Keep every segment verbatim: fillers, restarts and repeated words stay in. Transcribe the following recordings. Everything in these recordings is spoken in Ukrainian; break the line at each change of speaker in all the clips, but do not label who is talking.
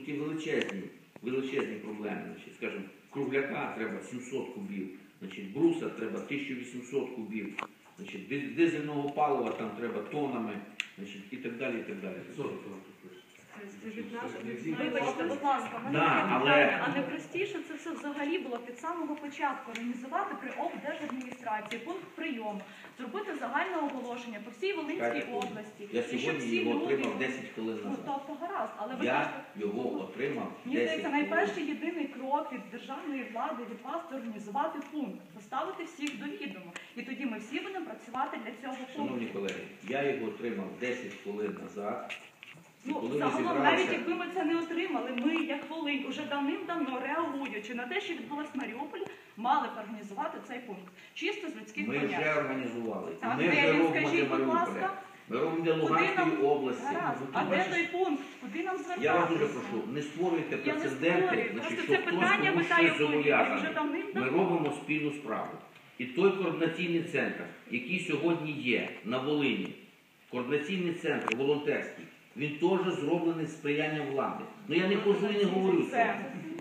тут є величезні, величезні проблеми. Значить, скажімо, кругляка треба сімсот кубів, значить, бруса треба тисяча вісімсот кубів, значить, дизельного палива там треба тонами, значить, і так далі, і так далі.
Вибачте, будь ласка, в мене
Да,
є
але-
питання, а не простіше це все взагалі було від самого початку організувати при облдержадміністрації пункт прийому, зробити загальне оголошення по всій Волинській
Чекайте,
області.
Я
і щоб
сьогодні
всі
його
люди-
отримав десять хвилин
Ну,
назад.
тобто гаразд, але ви
Я
кажете,
його отримав
мені
десять
здається,
хвилин.
найперший єдиний крок від державної влади, від вас, це організувати пункт, поставити всіх до відома. І тоді ми всі будемо працювати для цього
Шановні
пункту.
колеги, я його отримав десять хвилин назад. І
Ну,
коли ми
загалом,
зібралися-
навіть якби ми це не отримали, ми, як Волинь, уже давним-давно реагуючи на те, що відбулося в Маріуполі, мали б організувати цей пункт. Чисто з людських
Ми
понять.
вже організували. І
Так,
ми
де
вже
він,
робимо
скажіть,
для
будь
Маріуполя.
ласка?
Ми робимо для
Куди
Луганської
нам-
області.
Гаразд.
Ну,
А
ти
де
бачиш,
той пункт? Куди нам звертатися?
Я вас дуже прошу, не створюйте
Я не
прецеденти,
створюю.
значить,
Просто
що
це
хтось
питання
комусь
витає
щось
в повітря
зобов'язаний.
вже давним-давно.
Ми робимо спільну справу. І той координаційний центр, який сьогодні є на Волині, координаційний центр волонтерський, він теж зроблений з сприянням влади. Ну я не хожу і не говорю цього.
Це.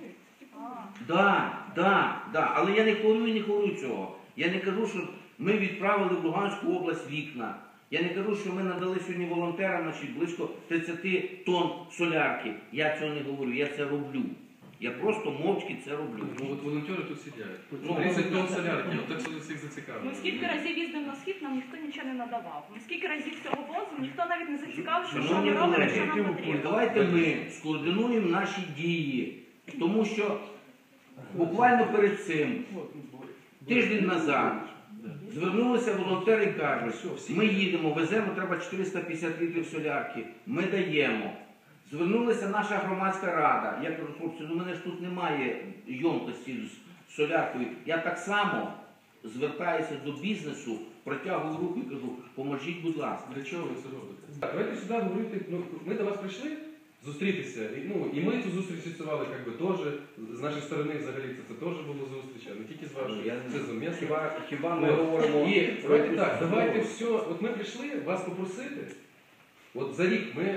Да, да, да. Але я не говорю і не говорю цього. Я не кажу, що ми відправили в Луганську область вікна. Я не кажу, що ми надали сьогодні волонтерам, значить, близько тридцять тонн солярки. Я цього не говорю, я це роблю. Я просто мовчки це роблю.
Ну от волонтери тут сидять.
Ну,
тридцять тонн солярки, от так що всіх зацікавило.
Ми скільки разів їздимо на схід, нам ніхто нічого не надавав. Ми скільки разів цього возу, ніхто навіть не зацікавив, що що
Шановні
ми робимо,
колеги,
що нам потрібно.
давайте ми скоординуємо наші дії. Тому що буквально перед цим, тиждень назад, звернулися волонтери і кажуть, ми їдемо, веземо, треба чотириста п'ятдесят літрів солярки, ми даємо. Звернулася наша громадська рада. Я кажу, хлопці, ну в мене ж тут немає йомкості з соляркою. Я так само звертаюся до бізнесу, протягую руку і кажу, поможіть, будь ласка.
Для чого ви це робите? Так, давайте сюди говорити, ну, ми до вас прийшли зустрітися, і, ну, і ми цю зустріч ініціювали, як би, теж, з нашої сторони взагалі це, це теж було зустріч, а не тільки з вашої.
Я
Це зумісно.
Хіба, хіба ми
От.
говоримо...
І
про
давайте
якусь
так, давайте
розмову?
все, от ми прийшли вас попросити, от за рік ми,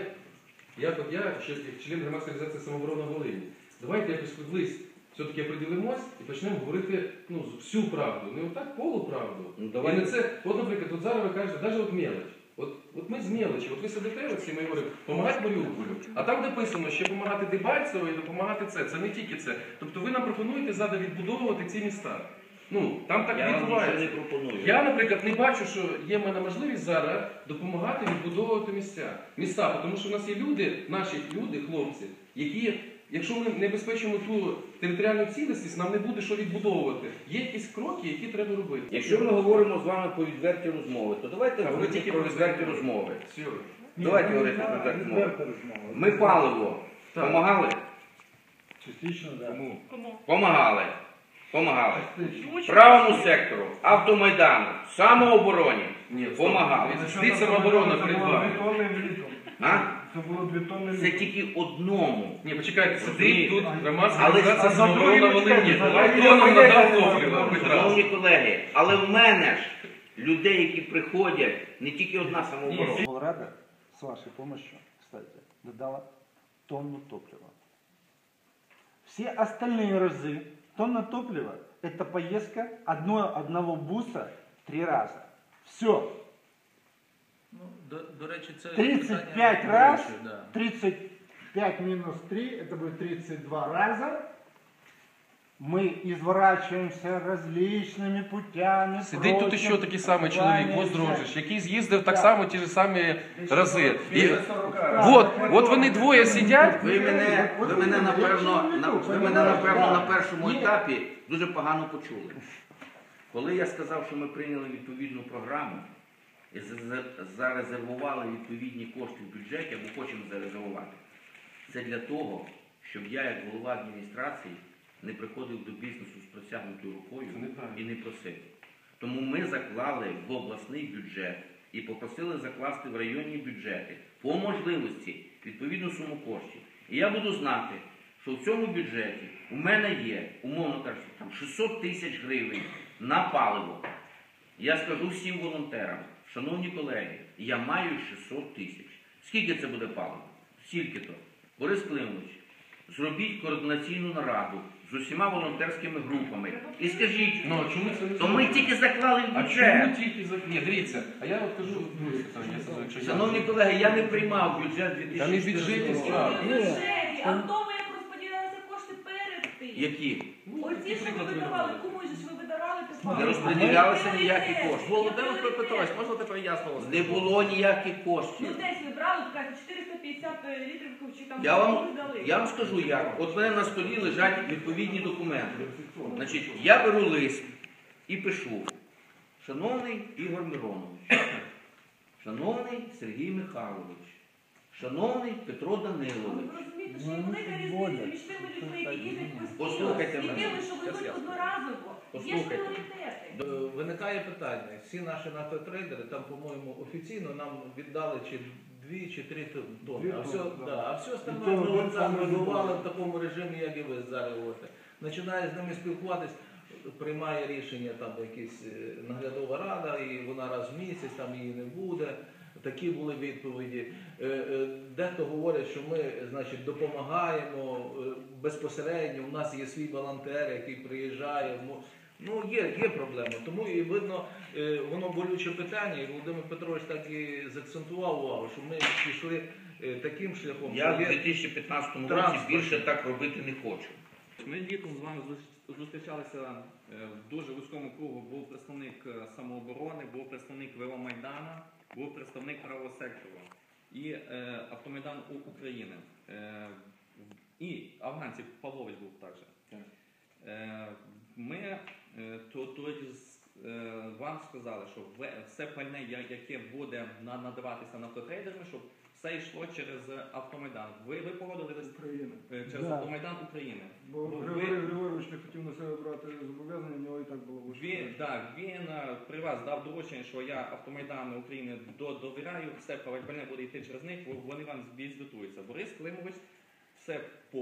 як от я, ще як член громадської організації «Самооборона Волині», давайте якось колись все-таки оприділимось і почнемо говорити, ну, всю правду, не отак полуправду.
Ну,
І
давайте.
не це, от, наприклад, от зараз ви кажете, навіть от мелоч. От, от ми з мелочі, от ви сидите оці, ми говоримо, допомагати Маріуполю, а там написано, що допомагати Дебальцево і допомагати це. Це не тільки це. Тобто ви нам пропонуєте зараз відбудовувати ці міста. Ну, там так
Я вам нічого не
відбувається.
пропоную.
Я, наприклад, не бачу, що є в мене можливість зараз допомагати відбудовувати місця. Міста, тому що в нас є люди, наші люди, хлопці, які, якщо ми не забезпечимо ту територіальну цілісність, нам не буде що відбудовувати. Є якісь кроки, які треба робити.
Якщо ми говоримо з вами про відверті розмови, то давайте
Так, ви
говорити
тільки
про
про
відверті
це.
розмови.
Все.
Давайте говорити про відверті розмови. Ми паливо
Так.
помагали?
Частично, да.
Тому
Кому?
Помагали. Помагали.
Участь.
Правому сектору, автомайдану, самообороні.
ні,
Помагали.
Стить самооборона перед вами.
Дві тонни влітом.
А?
Це було дві тонни
Це
влітом.
тільки одному.
Ні, почекайте, сидить тут громадська
Але-
організація
а
«Самооборона
за
Волині».
другим
Давайте
чекайте,
нам
за
надав
другим
топливо, хоч раз.
Шановні колеги, але в мене ж людей, які приходять, не тільки одна самооборона.
Волрада, с вашей помощью, кстати, додала тонну топлива. Все остальные разы тонна топлива – это поездка одно, одного буса три раза. Все.
Ну, до, до речі, це
тридцать
питання
пять раз,
болюче, да.
тридцать пять минус три, это будет тридцать два раза. Мы изворачиваемся различными путями.
Сидить тут
прочим,
ще такий самий чоловік,
плані,
Воздрожич, який з'їздив так
Так.
само ті ж самі рази. І, от, от вони двоє сидять.
Ви мене, ви мене, напевно, на, ви мене, напевно, на першому етапі дуже погано почули. Коли я сказав, що ми прийняли відповідну програму і за- за- зарезервували відповідні кошти в бюджеті, або хочемо зарезервувати, це для того, щоб я, як голова адміністрації, не приходив до бізнесу з протягнутою рукою
Це неправильно.
і не просив. Тому ми заклали в обласний бюджет і попросили закласти в районні бюджети по можливості відповідну суму коштів. І я буду знати, що в цьому бюджеті у мене є, умовно кажучи, там шістсот тисяч гривень на паливо. Я скажу всім волонтерам, шановні колеги, я маю шістсот тисяч. Скільки це буде паливо? Скільки то? Борис Климович, зробіть координаційну нараду з усіма волонтерськими групами і скажіть,
Ну, а чому це не
то ми
зробили?
тільки заклали в
А
бюджет.
чому тільки за... Ні, дивіться, а я от кажу друге питання, якщо я-
Шановні колеги, я не приймав бюджет
Та не в
дві тисячі
бюджеті
чотирнадцятого
справа.
року.
Бюджеті, а в тому, як розподілялися кошти перед тим.
Які?
Оці, що ви видавали, кому ж ви видавали, то
Не розподілялися ніякі кошти.
Володимир Петрович, можна тепер ясно вас?
Не було ніяких
Ну
коштів.
десь ви брали, така чотириста п'ятдесят літрів чи там
Я вам,
ви дали.
я вам скажу як. От в мене на столі лежать відповідні документи. Значить, я беру лист і пишу. Шановний Ігор Миронович, шановний Сергій Михайлович, шановний Петро
Але
Данилович.
ви розумієте, що є велика різниця між тими людьми, які їздять постійно,
Послухайте
і
мене.
тими, що везуть одноразово. Є ж
Послухайте.
пріоритети.
Е, Виникає питання. Всі наші нафтотрейдери, там, по-моєму, офіційно нам віддали чи дві, чи три тонни.
Дві
А все,
тонни, да.
да, а все
І
остальне
то
ми
один
от там
самий
вибивали
любимий.
в такому режимі, як і ви зараз говорите. Починає з ними спілкуватись, приймає рішення там якась е, наглядова рада, і вона раз в місяць, там її не буде. Такі були відповіді. Е, е, Дехто говорить, що ми, значить, допомагаємо е, безпосередньо. У нас є свій волонтер, який приїжджає. Мо- Ну, є, є проблема. Тому і видно, е, воно болюче питання, і Володимир Петрович так і заакцентував увагу, що ми пішли е, таким шляхом.
Я в
що є-
дві тисячі п'ятнадцятому році
Транспорт.
більше так робити не хочу.
Ми літом з вами зус- зустрічалися е, в дуже вузькому кругу. Був представник е, самооборони, був представник Веломайдана, був представник правого сектору і е, Автомайдан У- України. Е, і афганців Павлович був також. Е, ми е, то- тоді з- е, вам сказали, що ви- все пальне, я- яке буде на- надаватися нафтотрейдерами, щоб все йшло через Автомайдан. Ви, ви погодились
України.
е, через
Да.
Автомайдан України.
Бо
Ви-
Григорій Григорович не хотів на себе брати зобов'язання, в нього і так було
Він,
вище.
так, він е, при вас дав доручення, що я Автомайдану України до- довіряю, все пальне буде йти через них, во- вони вам відзвітуються. Борис Климович все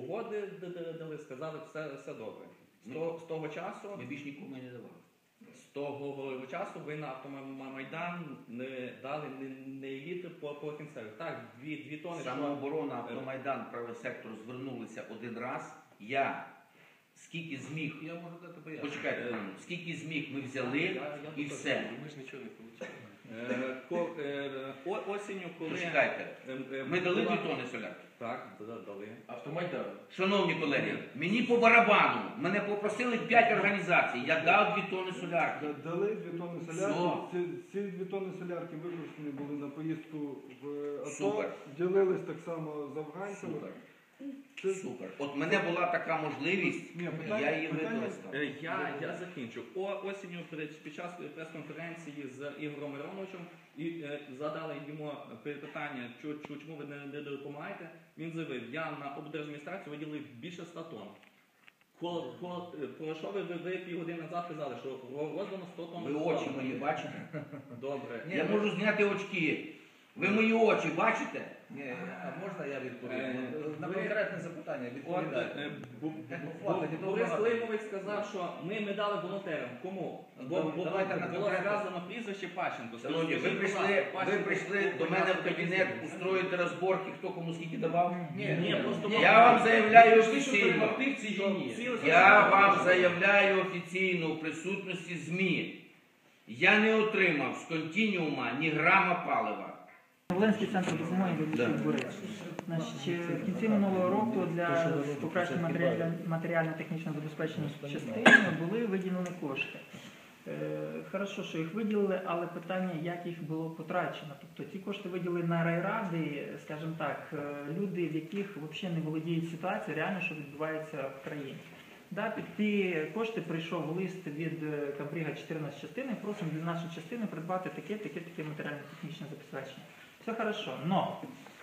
погодили, сказали, все, все добре. З того, з того часу,
Ми більш нікому не давали.
з того часу ви на Автомайдан не дали не, не літр по, по кінцеві. Так, дві, дві тони. що-
Самооборона, Автомайдан, правий сектор звернулися один раз. Я скільки зміг,
Я можу дати пояснення.
почекайте, хвилину, скільки зміг ми взяли
Я- я
і
тут
все.
Ми ж нічого не отримали.
Е, ко- е, о- осінню, коли...
Почекайте.
е, е,
Ми дали
була-
дві тони солярки.
Так, да- дали.
Автомайдан.
Шановні колеги, мені по барабану, мене попросили п'ять організацій, я дав дві тони солярки.
Да- Дали дві тонни солярки. Ці, ці дві тонни солярки використані були на поїздку в АТО.
Супер.
Ділились так само з афганцями.
Супер.
Це-
Супер. От мене була така можливість,
Ні, питання-
я її
питання-
використав.
Е, Я, я закінчу. О, осінню під, під час прес-конференції з Ігорем Мироновичем і е, задали йому питання, чу- чу- чому ви не, не допомагаєте. Він заявив, я на облдержадміністрацію виділив більше ста тонн. Коли, коли, е, про що ви, ви, ви півгодини назад казали, що ро- роздано сто тонн?
Ви очі мої бачите?
Добре.
Я можу зняти очки. Ви мої очі бачите?
Ні, а можна я відповім?
Е,
На
ви-
конкретне запитання
От,
відповідаю.
е, Бу-
Ну,
Бу-
хватить, і того
Борис
багато.
Климович сказав, що ми, ми дали волонтерам. Кому? Бо,
Давай-
бо
давайте на
було
конкретне.
сказано прізвище Пащенко.
Шановні, ви
Скажіть, будь
прийшли,
ласка,
ви
Пащенко
прийшли
був
до мене в
учасник
кабінет
війни.
устроїти розборки, хто кому скільки давав.
Ні,
Ні, просто
Я вам заявляю
Пішли, що
офіційно.
перемогти в цій війні.
Ці-
Я вам заявляю офіційно в присутності ЗМІ. Я не отримав з континіума ні грама палива.
Волинський центр допомоги
Да.
вибухів Борис. Значить, в кінці минулого року для покращення матеріально- матеріально-технічного забезпечення частини були виділені кошти. Е, Хорошо, що їх виділили, але питання, як їх було потрачено. Тобто ці кошти виділили на райради, скажімо так, е, люди, в яких взагалі не володіють ситуацією, реально, що відбувається в країні. Да, під ті кошти прийшов лист від е, Кабріга чотирнадцять частини, просимо для нашої частини придбати таке, таке, таке матеріально-технічне забезпечення. Все хорошо, но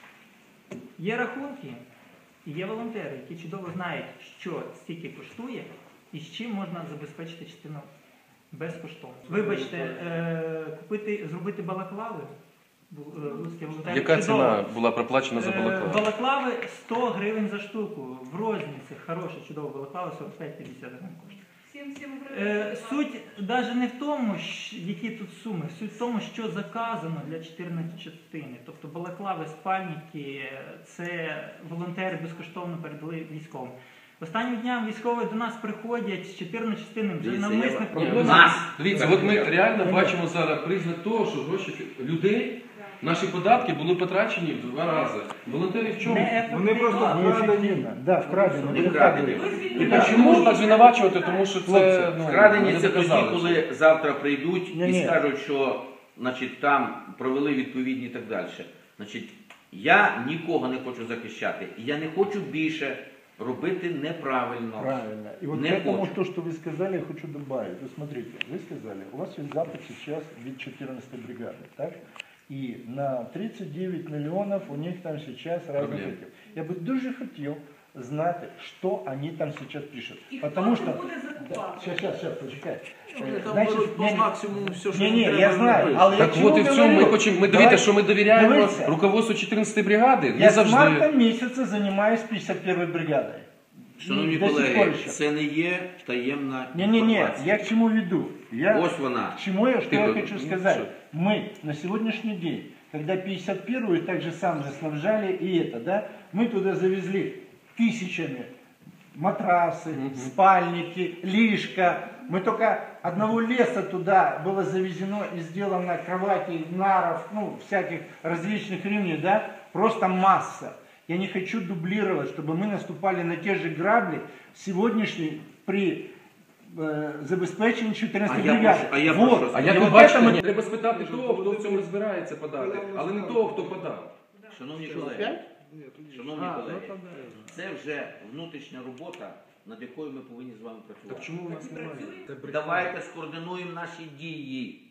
є рахунки і є волонтери, які чудово знають, що стільки коштує і з чим можна забезпечити частину безкоштовно. Вибачте, е, купити, зробити балаклави. бу- е, Луцькі волонтери
Яка
чудово.
ціна була проплачена за
Е,
балаклаву?
Балаклави сто гривень за штуку. В розмірі хороша, чудова балаклава, сорок п'ять п'ятдесят гривень коштує.
Всі сім
Е, Суть навіть не в тому, щ- які тут суми, суть в тому, що заказано для чотирнадцятої частини. Тобто балаклави, спальники, е, це волонтери безкоштовно передали військовим. Останнім дням військові до нас приходять з чотирнадцятої частини вже
Дивіться,
навмисне
я-
проблеми.
Нас!
Дивіться, от ми реально бачимо зараз признак того, що гроші людей, наші податки були потрачені в два рази. Волонтери в чому?
Вони просто вкрадені.
Неэффективно. Да, вкрадено.
Не
Вы
вкрадені.
так говорите.
І так, чому ж так звинувачувати, тому що це ну,
Вкрадені
не
це тоді,
доказали.
коли завтра прийдуть
Ні,
і
ні.
скажуть, що значить, там провели відповідні і так далі. Значить, я нікого не хочу захищати. І я не хочу більше робити неправильно.
Правильно. И вот
Не
к этому,
хочу.
то, что вы сказали, я хочу добавить. Вы смотрите, вы сказали, у вас есть запад сейчас від четырнадцатой бригады, так? И на тридцать девять миллионов у них там сейчас разных
Проблем.
этих. Я бы дуже хотел знать, что они там сейчас пишут.
І
Потому
хто
что...
це буде закупати?
Сейчас, сейчас, сейчас, почекай.
Вони
Е,
там
значить,
беруть по
ні,
максимуму все, що
ні, ні,
їм
я
треба,
знаю,
вони
але
пишуть.
Так
чому
от і в цьому ми
говорю?
хочемо. Ми
Давай-
дивіться, що ми довіряємо
Дивіться.
руководству чотирнадцятої бригади. Не
Я с
завжди.
марта месяца занимаюсь пятьдесят первой бригадой.
Шановні
До сих пор
колеги,
ще.
це не є таємна
Не-не-не,
інформація.
я к чему веду? Я...
Ось вона.
К чему я, что
Ты
я
тут,
хочу
ну,
сказать?
что?
Мы на сегодняшний день, когда пятьдесят первую так же самое снабжали и это, да, мы туда завезли тысячами матрасы,
Мгм.
спальники, лишка. Мы только одного леса туда было завезено и сделано кроватей, наров, ну, всяких различных ремней, да, просто масса. Я не хочу дублировать, чтобы мы наступали на те же грабли сегодняшней при э, забезпеченні чотирнадцятої
А я
бригади.
прошу- а я
Вот.
прошу
А
І
як ви
от
бачите,
це ми-
мені треба спитати того, хто в цьому розбирається подати, але не того, хто подав.
Шановні колеги, шановні
А, ну,
колеги,
то да.
це вже внутрішня робота, над якою ми повинні з вами
Так
працювати.
чому у нас немає? Це брехня.
Давайте скоординуємо наші дії.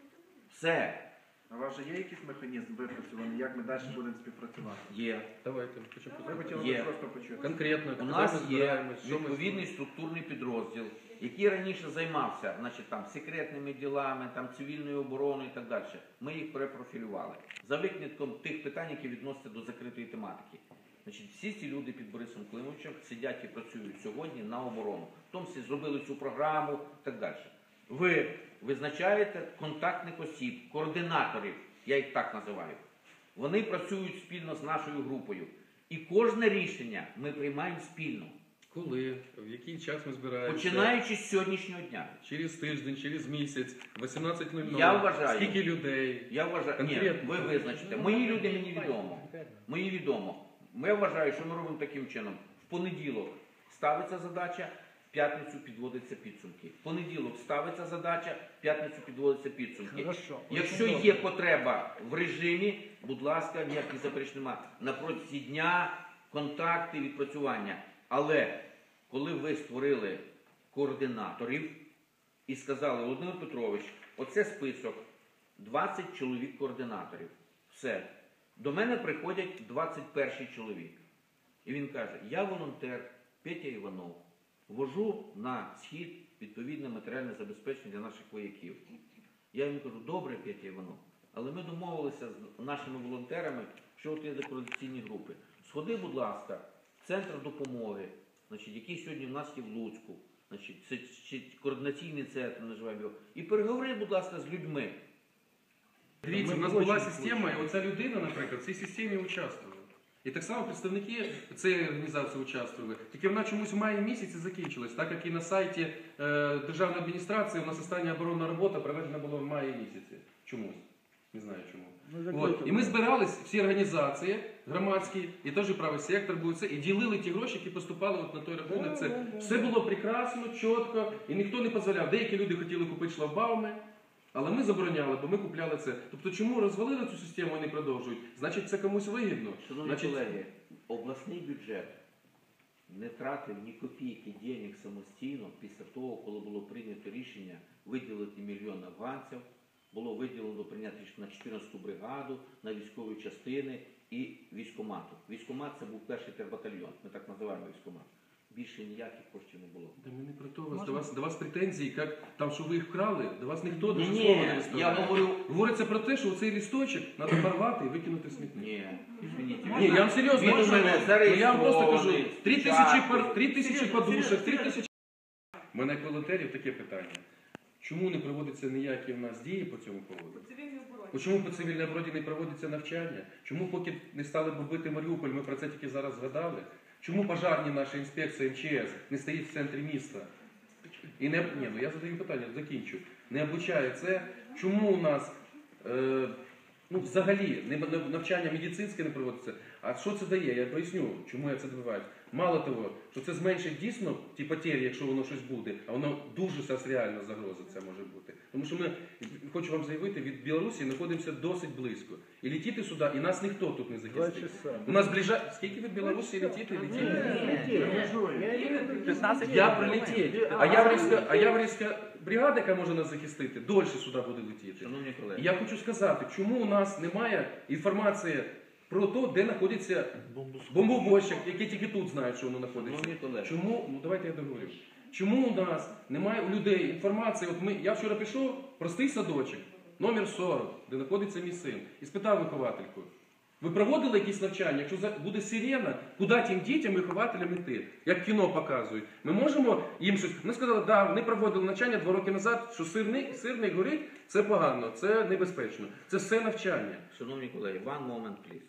Все.
А у вас же є якийсь механізм випрацьований, як ми далі будемо співпрацювати?
Є.
Давайте, хочу
Ми хотіли
Є.
би просто почути.
конкретно.
У
коли
нас
ми
є
збираємось, що ми
відповідний структурний підрозділ, який раніше займався значить, там, секретними ділами, там, цивільною обороною і так далі. Ми їх перепрофілювали. За винятком тих питань, які відносяться до закритої тематики. Значить, всі ці люди під Борисом Климовичем сидять і працюють сьогодні на оборону. В тому числі зробили цю програму і так далі. Ви визначаєте контактних осіб, координаторів, я їх так називаю. Вони працюють спільно з нашою групою. І кожне рішення ми приймаємо спільно.
Коли, в який час ми збираємося?
Починаючи з сьогоднішнього дня.
Через тиждень, через місяць, вісімнадцять нуль нуль.
Я вважаю.
Скільки людей?
Я вважаю, ні,
Конкретно.
ви визначите. Мої люди мені відомо. Мені відомо. Я вважаю, що ми робимо таким чином. В понеділок ставиться задача, в п'ятницю підводяться підсумки. В понеділок ставиться задача, в п'ятницю підводяться підсумки.
Хорошо.
Якщо є потреба в режимі, будь ласка, ніяких заперечень немає. На протязі дня контакти, відпрацювання. Але коли ви створили координаторів і сказали, Володимир Петрович, оце список, двадцять чоловік координаторів. Все. До мене приходять двадцять перший чоловік. І він каже, я волонтер Петя Іванов, вожу на схід відповідне матеріальне забезпечення для наших вояків. Я йому кажу, добре, Петя Іванов, але ми домовилися з нашими волонтерами, що от є координаційні групи. Сходи, будь ласка, в центр допомоги, значить, який сьогодні в нас є в Луцьку, значить, це чи координаційний центр, називаємо його, і переговори, будь ласка, з людьми.
Дивіться, у нас була система, і оця людина, наприклад, в цій системі участвувала. І так само представники цієї організації участвували. Тільки вона чомусь в маї місяці закінчилась, так як і на сайті е, Державної адміністрації у нас остання оборонна робота проведена була в маї місяці. Чомусь. Не знаю чому. От. І ми збирались, всі організації громадські, і теж правий сектор був це, і ділили ті гроші, які поступали от на той рахунок. Це все було прекрасно, чітко, і ніхто не дозволяв. Деякі люди хотіли купити шлагбауми, але ми забороняли, бо ми купляли це. Тобто чому розвалили цю систему і не продовжують? Значить, це комусь вигідно.
Шановні
Значить,
колеги, обласний бюджет не тратив ні копійки денег самостійно після того, коли було прийнято рішення виділити мільйон афганців, було виділено прийняти рішення на чотирнадцяту бригаду, на військові частини і військкомату. Військкомат – це був перший тербатальйон, ми так називаємо військкомат. Більше ніяких коштів не було.
Да ми не про то вас. До вас, до вас претензії, як там, що ви їх вкрали, до вас ніхто
Ні,
до
ні,
слова не
я
виставляє.
говорю,
Говориться про те, що цей листочок треба порвати і викинути в смітник.
ні, извините.
Ні, я вам серйозно
Він у
кажу.
мене
Ну, я вам просто кажу,
зареєстрований,
три тисячі,
вчасно.
пар- три тисячі подушок, три тисячі У мене як волонтерів таке питання. Чому не проводяться ніякі в нас дії по цьому поводу?
По цивільній обороні.
Чому по цивільній обороні не проводяться навчання? Чому поки не стали бомбити Маріуполь, ми про це тільки зараз згадали? Чому пожарні наша інспекція ем че ес не стоїть в центрі міста? І не, ні, ну я задаю питання, закінчу. Не облучає це. Чому у нас е, ну, взагалі не, навчання медицинське не проводиться? А що це дає? Я поясню, чому я це добиваюсь. Мало того, що це зменшить дійсно ті потері, якщо воно щось буде, а воно дуже зараз реальна загроза це може бути. Тому що ми, хочу вам заявити, від Білорусі знаходимося досить близько. І летіти сюди, і нас ніхто тут не захистить. У нас ближа... Скільки від Білорусі летіти? Летіти? Я прилетіть. А Яврівська, а Яврівська бригада, яка може нас захистити, дольше сюди буде летіти.
Шановні колеги.
І я хочу сказати, чому у нас немає інформації про те, де знаходиться бомбовозчик, який тільки тут знають, що воно знаходиться.
Шановні колеги.
Чому, ну давайте я договорю. Чому у нас немає у людей інформації? От ми, я вчора пішов, простий садочок, номер сорок, де знаходиться мій син, і спитав виховательку, ви проводили якісь навчання? Якщо за- буде сирена, куди тим дітям вихователям йти? Як кіно показують. Ми можемо їм щось... Вони сказали, да, вони проводили навчання два роки назад, що сирний, сирний горить, це погано, це небезпечно. Це все навчання.
Шановні колеги, one moment, please.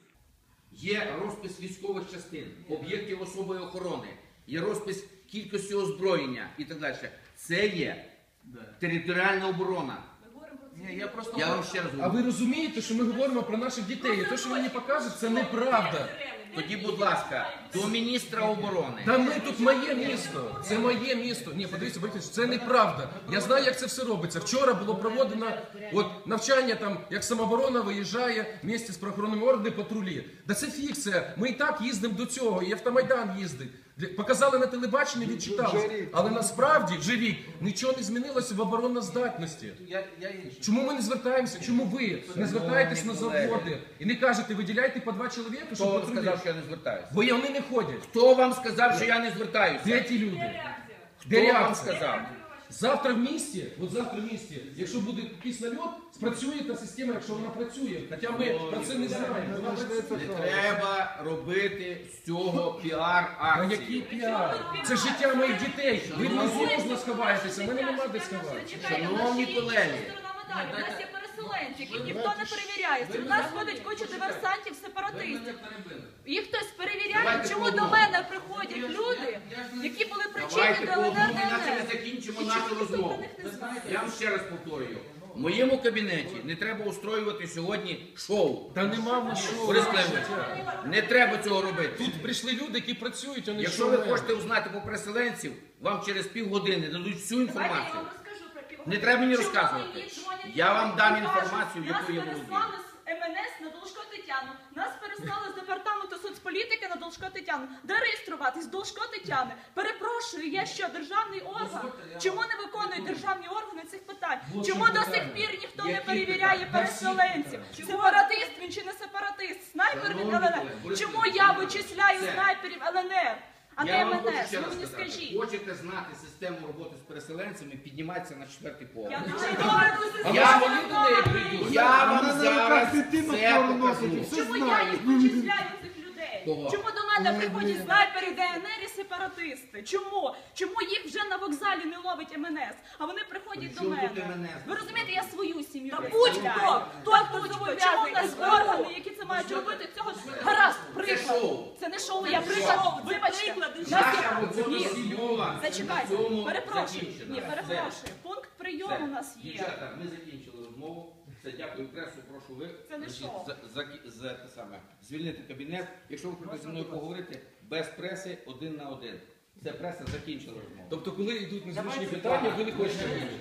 Є розпис військових частин, об'єктів особої охорони, є розпис кількості озброєння і так далі. Це є територіальна оборона.
Ні, я просто
Я вам ще раз
А
говорю.
ви розумієте, що ми говоримо про наших дітей? І те, що ви мені покажете, це неправда.
Тоді, будь ласка, до міністра оборони.
Та ми тут моє місто. Це моє місто. Ні, подивіться, Борис, це неправда. Я знаю, як це все робиться. Вчора було проведено от, навчання, там, як самооборона виїжджає в місті з правоохоронними органами патрулі. Да це фікція. Ми і так їздимо до цього, і Автомайдан їздить. Для- Показали на телебаченні, відчитали. Але насправді вже рік нічого не змінилося в обороноздатності.
я, я інше.
Чому ми не звертаємося? Чому ви не звертаєтесь на заводи і не кажете, виділяйте по два чоловіка,
Хто
щоб
вам
патрулі?
сказав, що я не звертаюся?
Бо вони не ходять.
Хто вам сказав, що я не звертаюся?
Де ті люди?
Хто
Де
вам
реакція?
сказав?
Завтра в місті, от завтра в місті, якщо буде якийсь нальот, спрацює та система, якщо вона працює. Хоча ми про це не знаємо. Вона працює.
Не треба робити з цього
А
піар-акції.
який піар? Це життя моїх дітей. Ви внизу сховаєтеся, в мене нема де сховатися.
Шановні колеги.
У нас є переселенці, яких ніхто не перевіряє. У нас ходить куча диверсантів, сепаратистів. Їх хтось перевіряє.
Давайте
Чому
по
до
одному.
мене приходять люди, які були причетні
Давайте
до
по одному,
ЛНР,
іначе ми
ДНР?
закінчимо
І
нашу
чому ніхто
розмову.
про них не знає?
Я вам ще раз повторюю. В моєму кабінеті не треба устроювати сьогодні шоу.
Та нема в нас що.
Борис Климович, не треба цього робити.
Тут прийшли люди, які працюють, а не
Якщо ви
шоумен.
хочете узнати про переселенців, вам через півгодини дадуть всю
Давайте я
інформацію.
вам розкажу про півгодини.
Не треба мені
Чому
розказувати.
мені дзвонять
Я вам дам
і кажуть,
інформацію, якою я
Нас
володію.
переслали з ем ен ес на Должко Тетяну. Нас переслали з департаменту соцполітики на Должко Тетяну. Де реєструватись? Должко Тетяни. Перепрошую, я що, державний орган? Чому не виконують державні органи цих питань? Чому до сих пір ніхто не перевіряє переселенців? Сепаратист він чи не сепаратист? Снайпер від ел ен ер? Чому я вичисляю снайперів ел ен ер? А не
Я
ем
вам
ен
хочу
ес?
ще
Ви
раз
мені
сказати.
скажіть.
Хочете знати систему роботи з переселенцями, піднімайтеся на четвертий поверх.
Я дуже добре
А
дуже
ви
Я-
свої до неї прийдуть.
Я вам
Вона на
зараз
руках дитину
все
форму
покажу.
носить, все
Чому я
знає.
їх вичисляю цих людей?
Кого?
Чому до мене приходять снайпери, де ен ер і сепаратисти? Чому? Чому їх вже на вокзалі не ловить ем ен ес, а вони приходять до
При чому
мене?
тут ем ен ес?
Ви розумієте, я свою сім'ю
Та
представляю.
будь-хто,
Хто будь-хто? Чому в нас органи, які це мають робити? Цього гаразд, приклад.
шоу.
Це не шоу, я приклад. Вибачте. Нас
Наша
є-
робота
Ні,
сільова.
зачекайте.
На цьому
Перепрошую.
закінчена.
Ні,
Все.
перепрошую. Пункт прийому
Все.
у нас є.
Дівчата, ми закінчили розмову. Все, дякую пресу, прошу ви
Це не
значить,
шоу.
за, за, за те саме, звільнити кабінет. Якщо ви хочете зі мною поговорити, без преси, один на один. Це преса закінчила розмову.
Тобто, коли йдуть незвичні
Давайте
питання,
так.
ви не хочете.